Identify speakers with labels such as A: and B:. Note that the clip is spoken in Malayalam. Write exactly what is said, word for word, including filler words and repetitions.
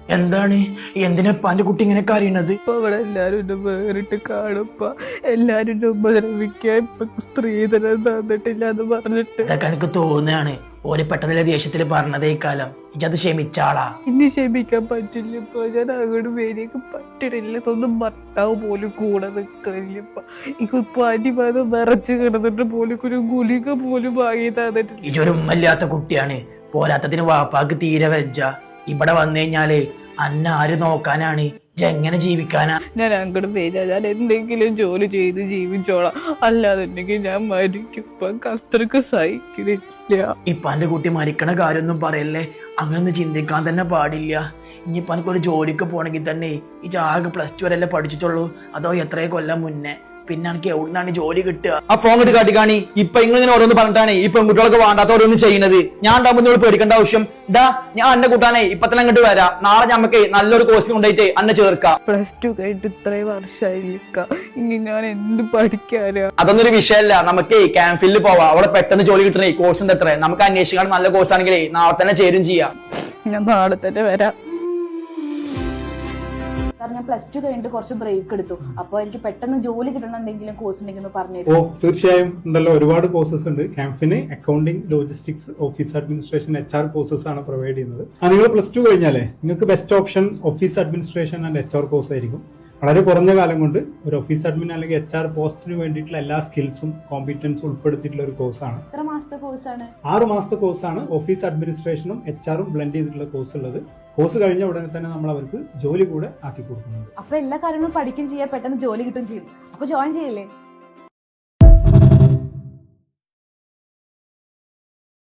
A: എന്താണ് എന്തിനാ എന്റെ കുട്ടി ഇങ്ങനെ കരയണത്?
B: ഇപ്പൊ അവിടെ എല്ലാരും എന്നെ വേറിട്ട് കാണുമ്പ എല്ലാരും എന്നെ ഉപദ്രവിക്കാൻ ഇപ്പൊ സ്ത്രീധനം തന്നിട്ടില്ല എന്ന് പറഞ്ഞിട്ട്
A: അതൊക്കെ എനിക്ക് തോന്നുകയാണ്. ഓര് പെട്ടെന്നുള്ള ദേഷ്യത്തില് പറഞ്ഞതേ കാലം ഇജത് ക്ഷമിച്ചാളാ.
B: ഇനി ക്ഷമിക്കാൻ പറ്റില്ല. ഇപ്പൊ ഞാൻ അങ്ങോട്ട് വേദിക്ക് പറ്റണില്ല. ഇതൊന്നും ഭർത്താവ് പോലും കൂടെ നിൽക്കണില്ല. ഇപ്പൊ ഇപ്പൊ പനി വന്ന് നിറച്ച് കിടന്നിട്ട് പോലും ഒരു ഗുളിക പോലും വാങ്ങി തന്നിട്ടില്ല.
A: ഇജൊരു ഉമ്മല്ലാത്ത കുട്ടിയാണ്. പോരാത്തതിന് വാപ്പാക്ക് തീരെ വെജ്ജ. ഇവിടെ വന്നു കഴിഞ്ഞാലേ അന്ന ആര് നോക്കാനാണ്? എങ്ങനെ ജീവിക്കാനാ?
B: ഞാൻ അങ്ങോട്ട് വരിക. ഞാൻ എന്തെങ്കിലും ജോലി ചെയ്ത് ജീവിച്ചോളാം, അല്ലാന്നുണ്ടെങ്കിൽ ഞാൻ മരിക്കും. ഇപ്പൊ അത്രക്ക് സഹിക്കുന്നില്ല.
A: ഇപ്പൊ എന്റെ കുട്ടി മരിക്കണ കാര്യമൊന്നും പറയല്ലേ. അങ്ങനൊന്നും ചിന്തിക്കാൻ തന്നെ പാടില്ല. ഇനിയിപ്പൊ എനിക്കൊരു ജോലിക്ക് പോണെങ്കിൽ തന്നെ ഈ ആകെ പ്ലസ് ടു വരെയല്ലേ പഠിച്ചിട്ടുള്ളൂ. അതോ എത്രയോ കൊല്ലം മുന്നേ. പിന്നെ എനിക്ക് എവിടുന്നാണ് ജോലി കിട്ടുക?
C: ആ ഫോൺ ഇട്ട് കാട്ടിക്കാണി. ഇപ്പൊ നിങ്ങൾ ഇങ്ങനെ ഓരോന്ന് പറഞ്ഞിട്ടാണ് ഈ പെൺകുട്ടികളൊക്കെ വേണ്ടാത്ത ഓരോന്ന് ചെയ്യുന്നത്. ഞാൻ ഉണ്ടാകുമ്പോൾ പേടിക്കേണ്ട ആവശ്യം ഇതാ. ഞാൻ അന്നെ കൂട്ടാനേ ഇപ്പൊ തന്നെ അങ്ങോട്ട് വരാം. നാളെ ഞമ്മക്ക് നല്ലൊരു കോഴ്സ് കൊണ്ടായിട്ട് അന്നെ ചേർക്കാം.
B: പ്ലസ് ടു കഴിഞ്ഞിട്ട് ഇത്രയും വർഷമായില്ല. ഇനി ഞാൻ എന്ത് പഠിക്കാനാ?
C: അതൊന്നും ഒരു വിഷയമല്ല. നമുക്ക് ക്യാമ്പിൽ പോവാം. അവിടെ പെട്ടെന്ന് ജോലി കിട്ടണേ. കോഴ്സിന്റെ എത്ര നമുക്ക് അന്വേഷിക്കാൻ നല്ല കോഴ്സ് ആണെങ്കിലേ നാളെ തന്നെ ചേരും ചെയ്യാം.
B: ഞാൻ നാളെ തന്നെ വരാം.
D: ഞാൻ പ്ലസ് ടു കഴിഞ്ഞിട്ട് കുറച്ച് ബ്രേക്ക് എടുത്തു. അപ്പൊ എനിക്ക് പെട്ടെന്ന് ജോലി കിട്ടണം എന്തെങ്കിലും കോഴ്സ് ഉണ്ടെങ്കിൽ പറഞ്ഞു.
E: ഓ തീർച്ചയായും ഉണ്ടല്ലോ. ഒരുപാട് കോഴ്സസ് ഉണ്ട് ക്യാമ്പിന്. Accounting, logistics, office administration, H R courses ആണ് പ്രൊവൈഡ് ചെയ്യുന്നത്. ആ നിങ്ങൾ പ്ലസ് ടു കഴിഞ്ഞാലേ നിങ്ങൾക്ക് best option office administration and H R course ആയിരിക്കും. വളരെ കുറഞ്ഞ കാലം കൊണ്ട് ഒരു ഓഫീസ് അഡ്മിൻ അല്ലെങ്കിൽ എച്ച് ആർ പോസ്റ്റിന് വേണ്ടിയിട്ടുള്ള എല്ലാ സ്കിൽസും കോമ്പിറ്റൻസും ഉൾപ്പെടുത്തിയിട്ടുള്ള ഒരു കോഴ്സാണ്.
D: എത്ര മാസത്തെ കോഴ്സാണ്?
E: ആറ് മാസത്തെ കോഴ്സാണ്. ഓഫീസ് അഡ്മിനിസ്ട്രേഷനും എച്ച് ആറും ബ്ലെൻഡ് ചെയ്തിട്ടുള്ള കോഴ്സ് ഉള്ളത്. കോഴ്സ് കഴിഞ്ഞ ഉടനെ തന്നെ നമ്മൾ അവർക്ക് ജോലി കൂടെ ആക്കി കൊടുക്കുന്നുണ്ട്.
D: അപ്പൊ എല്ലാ കാര്യങ്ങളും പഠിക്കും ചെയ്യാം, പെട്ടെന്ന് ജോലി കിട്ടും ചെയ്യും. അപ്പൊ ജോയിൻ ചെയ്യില്ലേ?